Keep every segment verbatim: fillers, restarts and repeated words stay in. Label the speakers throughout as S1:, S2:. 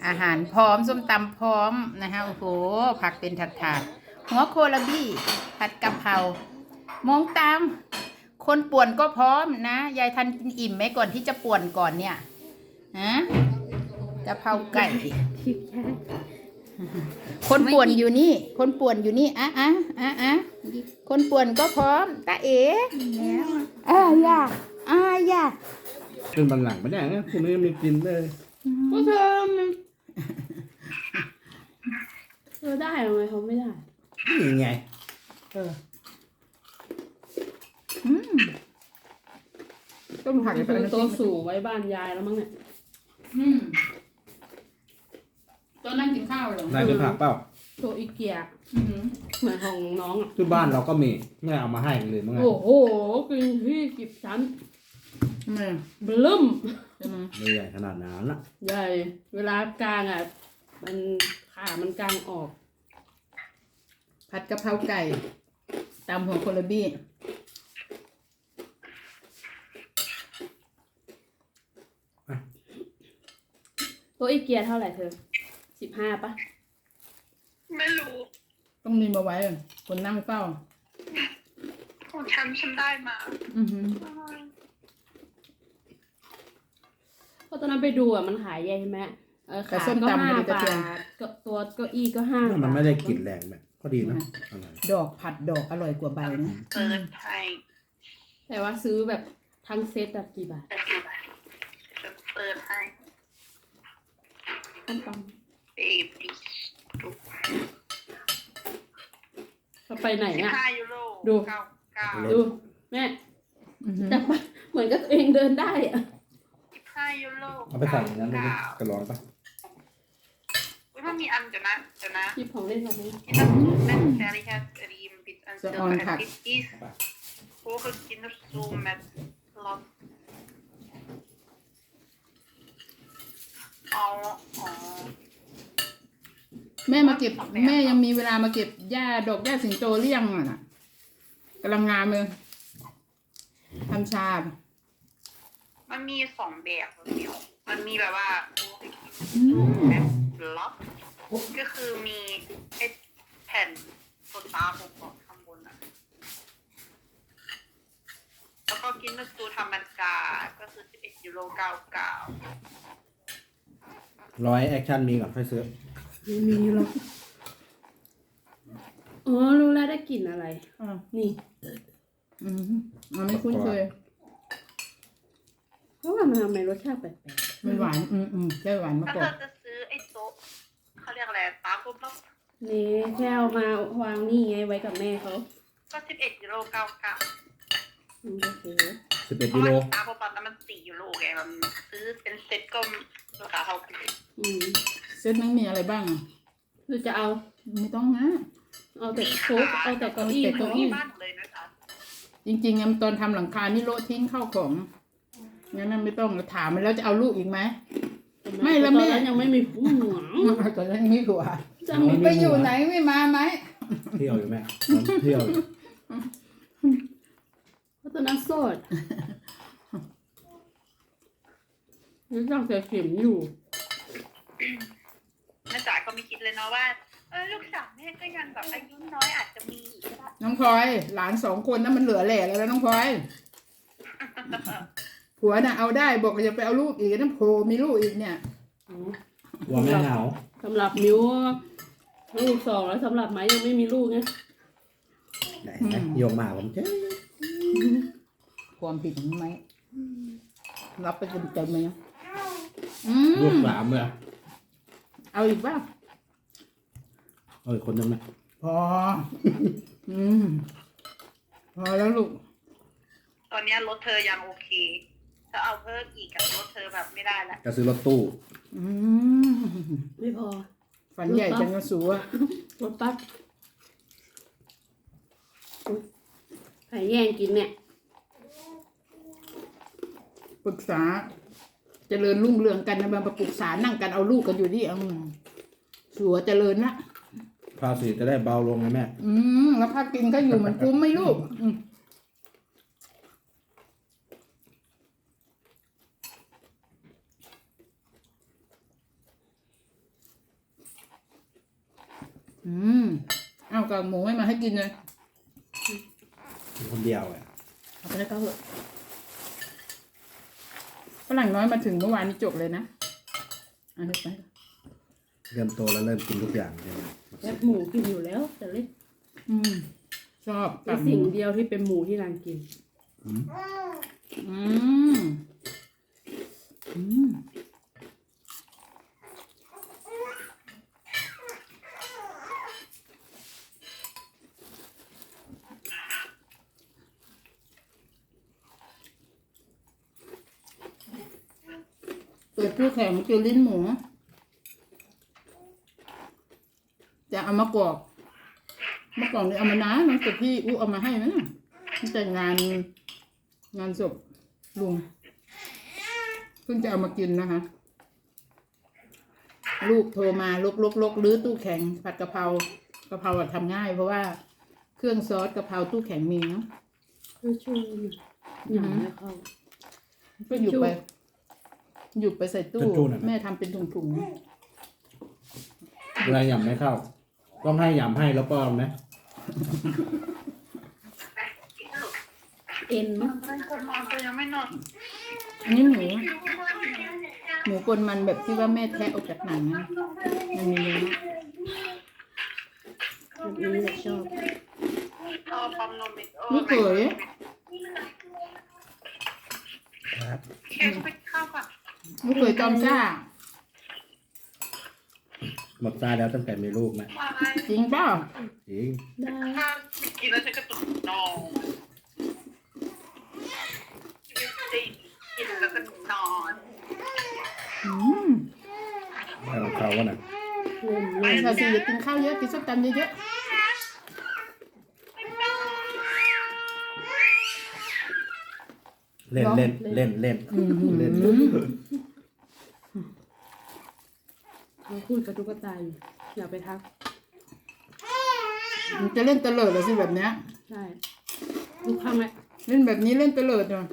S1: อาหารพร้อมส้มตำพร้อมนะคะโอ้โหผักเป็นถาดๆหัวโคลาบี้ผัดกะเพรามองตามคนป่วนก็พร้อมนะยายทันกินอิ่มไหมก่อนที่จะป่วนก่อนเนี่ยฮะกะเพราไก่คนป่วนอยู่นี่คนป่วนอยู่นี่อ่ะอ่ะอ่ะอ่ะคนป่วนก็พร้อมตาเอ๋อ่ะย่าอ่ะย่า
S2: เป็นบันหลังไม่ได้นะคุณไม่มีกินเลย
S3: ก็เธอมันเธอได้ทำไมเขาไม่ได้
S2: นี่ไง
S1: เอออืมต้มผัก
S3: เธอตัวสูงไว้บ้านยายแล้วมั้งเนี่ย
S1: อืมตัวนั่งกินข้าวเหรอน
S2: ายจะผักเปล่า
S3: ตัวอีเกีย
S1: อืม
S3: เหมือนของน้องอ่ะ
S2: ที่บ้านเราก็มีไม่เอามาให้เลยมั้งไง
S3: โอ้โหกินที่กิบชั้น
S1: ทำไม
S3: บลึ้ม
S1: ใช่ไหม
S2: ไม่ใหญ่ขนาดนั้นนะ
S3: ใหญ่เวลากลางอ่ะมันขามันกลางออก
S1: ผัดกะเพราไก่ตำหัวโคลาบี้
S3: ตัวอีเกียเท่าไหร่เธอสิบห้าปะ
S4: ไม่รู้
S1: ต้องมีมาไว้คนนั่งเฝ้า
S4: ของฉันฉันได้มา
S1: อือหือ
S3: เพราะตอนนั้นไปดูอ่ะมันขายใหญ่ใช่ไหมเออขาก็ห้าบาทก็ตัวเก้าอี้ก็ห้าบาท
S2: มันไม่ได้กลิ่นแรงแบบก็ดีนะอร่อย
S1: ดอกผัดดอกอร่อยกว่าใบนะ
S4: เปิดให้
S3: แต่ว่าซื้อแบบทั้งเซตอะกี่บาท
S4: จะเปิดให้
S3: ต้มต
S4: เบบี้
S3: ำเราไปไหน
S4: สิบ
S3: อ่ะ
S4: ห้ายูโร
S3: ดู
S4: เก้าเก้า
S3: ดูแม่
S1: อือหือ
S3: จับเหมือนกับตัวเองเดินได้อะ
S4: สิบห้ายูโร
S2: เอาไปใส่ในนั้นเลย
S4: เก้า
S2: กระร้อนปะ
S4: อุ้ยมันมีอันเดี๋ยวนะเดี๋ยวนะ
S3: หยิบของเล่นมาไหม
S4: ที่นั่นซูมแม่แซรี่แฮสรีมบิดอันเซอร์แอนดิสอีสโอ้คือกินแล้วซูมแมทล็อกอ๋ออ๋อ
S1: แม่มาเก็บแม่ยังมีเวลามาเก็บหญ้าดอกหญ้าสิงโตหรือยังอ่ะน่ะกำลังงามเลยทำชา
S4: มันมีสองแบบเดียวมันมีแบบว่าโอ้คือกิน
S1: อื
S4: ซูม
S1: ม
S4: แมทล็อกก็คือมีไอ้แผ่นโซตาผมบอกข้างบนอะแล้วก็กินนูธรรมดาก็คือสิบเอ็ดยูโรเก้าเก้า
S2: ร้อยแอคชั่นมีก่อนค่อยซื้อ
S3: ไม่มีหรอกอ๋อรู้แล้วได้กลิ่นอะไร
S1: อ่า
S3: นี่
S1: อืมมันไม่คุ้นเคย
S3: เพราะว่ามันทำไมรสชาติแปลก
S1: มันหวานอืมอืมได้หวานมา
S4: ถ้าก
S1: ก่อ
S4: เธอน จะซื้อไอ้โต๊ะเขาเรียกอะไรตาปุ๊บแล้ว
S3: ๆนี่แค่เอามาวางนี่ไงไว้กับแม่เขา
S4: ก็สิบเอ็ดยูโรเก้าเก้า
S3: อืมโอเค
S2: สิบเอ็ด
S4: เพ
S2: กิ
S4: ราะ
S2: โล
S4: ว่าตาปุ๊บตอนนั้นมันสี่ยูโรไงมันซื้อเป็นเซ็ตก็ราคาเท่ากัน
S3: อืม
S1: เซตนั้นมีอะไรบ้างอ่ะ
S3: คือจะเอา
S1: ไม่ต้องนะ
S3: เอาแต่โค้กเอาแต่เก้าอี้
S1: แต่
S4: ตร
S1: เก้า
S4: ง
S1: อี้
S4: ที่บ้านเลยนะคะ
S1: จริงๆอะตอนทำหลังคานี่โละทิ้งเข้าของงั้นนะไม่ต้องถามมันแล้วจะเอาลูกอีกไหม ไม่แล้วแม่
S3: ตอนนั้นยังไม่มีผู้หวง
S1: ตอนนั้นมีหัว
S3: จะมี
S1: ไปอยู่ไหนไม่มาไหม
S2: เที่ยวอยู่แม่เที่ยวอยู่
S3: เพราะตอนนั้นโสดนี่ต้องแต่เข็มอยู่
S4: แม่จ๋าก็ไม่คิดเลยเนาะว่าเออลูกสาวแม่ก็ยังแบบอายุน้อยอาจจะมีอีกก็ได้
S1: น้องพลอยหลานสองคนนั้นมันเหลือแหล่แล้วนะน้องพลอยผัวน่ะเอาได้บอกว่าจะไปเอาลูกอีกนั่นโผล่มีลูกอีกเนี่ย
S2: กลัวแม่เหงา
S3: สำหรับมิวลูกสองแล้วสำหรับไม้ยังไม่มีลูกไง
S2: ไหนนะโยงมาผมเจ๊
S1: ความผิดของไหมรับไปเต็มๆเลยนะอื
S2: ลูก
S1: ม
S2: สามเลย
S1: เอาอีกป่ะ
S2: เออคนนึงนะ
S1: พอ อืมพอแล้วลูก
S4: ตอนเนี้ยรถเธอยังโอเค ถ้าเอาเพิ่มอีกกับรถเธอแบบไม่ได้ละ
S2: จะซื้อรถตู้
S1: อืม
S3: ไม่พอ
S1: ฝันใหญ่จังกระสูอะ
S3: รถปั๊บใครแย่งกินเนี่ย
S1: ปรึกษาเจริญรุ่งเรืองกันนะมาปรึกษานั่งกันเอาลูกกันอยู่ที่อืมสัวเจริญละ
S2: ภาษีจะได้เบาลงไงแม่
S1: อืมแล้วพากินก็อยู่เหมือนคุ้มไหม่ลูกอืมอืมเอากากหมูไม่มาให้กินเลย
S2: กินคนเดียวอ่ะ
S3: เอาไปแล้วก็เหอะ
S1: ฝรั่งน้อยมาถึงเมื่อวานนี้จบเลยนะอันนี้ไป
S2: เริ่มโตแล้วเริ่มกินทุกอย่างเลยนะ
S3: แคบหมูกินอยู่แล้ว แต่เล็ก
S1: อืมชอบ
S3: เป็
S1: กาน กห
S3: สิ่ง
S1: มู
S3: เดียวที่เป็นหมูที่นางกิน
S2: อืม
S1: อืมอืมเปิดตู้แข็งเจอลิ้นหมู จะเอามากรอกเมื่อก่อนเนี่ยเอามานานมันแต่พี่อู้เอามาให้นะตั้งแต่งานงานศพลุงเพิ่งจะเอามากินนะคะลูกโทรมาลกลกลกรื้อตู้แข็งผัดกะเพรากะเพราอะทำง่าย เพราะว่าเครื่องซอสกะเพราตู้แข็งมีเนาะ
S3: คือชูหนังไม่เข้า
S1: ก็หยุดไปหยุดไปใส่ตู้แม่ทำเป็นถุง
S2: เวลาหยำไม่เข้า ต้องให้หยำให้แล้วป้อนไหม
S3: เอ็นมั้ย
S4: Men kommer man jag menar.
S1: ๆอันนี้หมูหมูกลมันแบบที่ว่าแม่แทะออกจากหนังนะมันมีเนื้อ
S3: แบบนี้แหละชอบ
S4: Ja, famn mitt.
S1: ลูกเขย
S2: ครับ
S4: Kan jag skicka kaffe?
S1: ลูกเขยจอมซ่า
S2: หมดตาแล้วตั้งแต่มีลูกนะ
S4: Nej.
S1: จริงเปล่า
S2: จริง
S3: ได้
S4: Killen säkert no. Killen säkert no.
S1: อืม
S2: ให้ของเขาวะน่ะ
S3: เล่นเล่น
S1: ชาซีอย่ากินข้าวเยอะกินส้มตำเยอะ
S2: เล่นเล่นเล่นเล่น
S1: ๆอืม
S2: เล่น
S3: เขาพูดกับตุ๊กตาอยู่อย่าไปทัก
S1: มันจะเล่นเตลิดเหรอสิแบบเนี้ย
S3: ใช่ลูกข้างไหม
S1: เล่นแบบนี้เล่นเตลิดเหรอ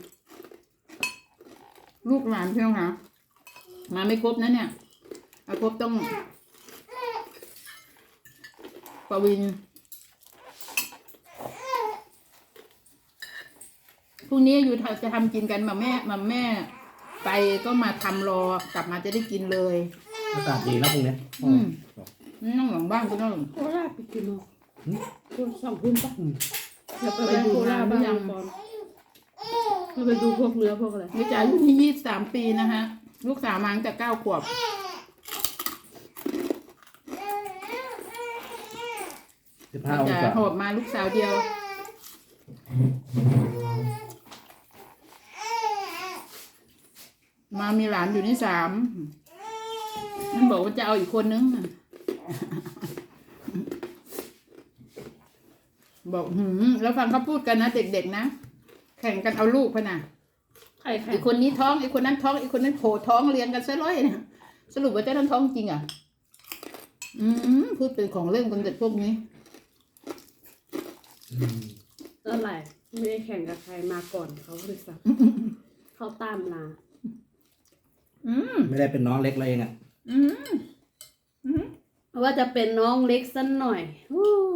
S1: ลูกหลานเพียงหามาไม่ครบนะเนี่ยเอาครบต้องปวินพรุ่งนี้อยู่จะทำกินกันมาแม่มาแม่ ไปก็มาทำรอกลับมาจะได้กินเลย
S2: อากาศดีนะพรุ่งนี้
S1: อืม นั่งหลังบ้านก็ต้อง
S3: โคราชไปกินมั้งคุณสองคุณปะ
S2: อืม
S3: อย่าไปดูโคราชบ้างก่อนเราไปดูพวกเนื้อพวกอะไร
S1: นี่จ๋าอายุที่ยี่สิบสามปีนะฮะ ลูกสาวมาตั้งแต่เก้าขวบ
S2: สิบห้าอง
S1: จะ
S2: ศา
S1: หอบมาลูกสาวเดียว มามีหลานอยู่นี่สามมันบอกว่าจะเอาอีกคนนึง บอกหืมแล้วฟังเขาพูดกันนะเด็กๆนะแข่งกันเอาลูกพะนะ
S3: ใครใคร
S1: อีกคนนี้ท้องอีกคนนั้นท้องอีกคนนั้นโผล่ท้องเรียงกันซะร้อยนะสรุปว่าเจ้านั้นท้องจริงอ่ะ อืมพูดเป็นของเล่นกันเด็กพวกนี้
S2: อืม
S3: อะไรไม่ได้แข่งกับใครมาก่อนเขาเลยสักเขาตามลา
S1: อืม
S2: ไม่ได้เป็นน้องเล็กเราเองอ่ะ
S1: อืม
S3: เพราะว่าจะเป็นน้องเล็กสักหน่อยอู้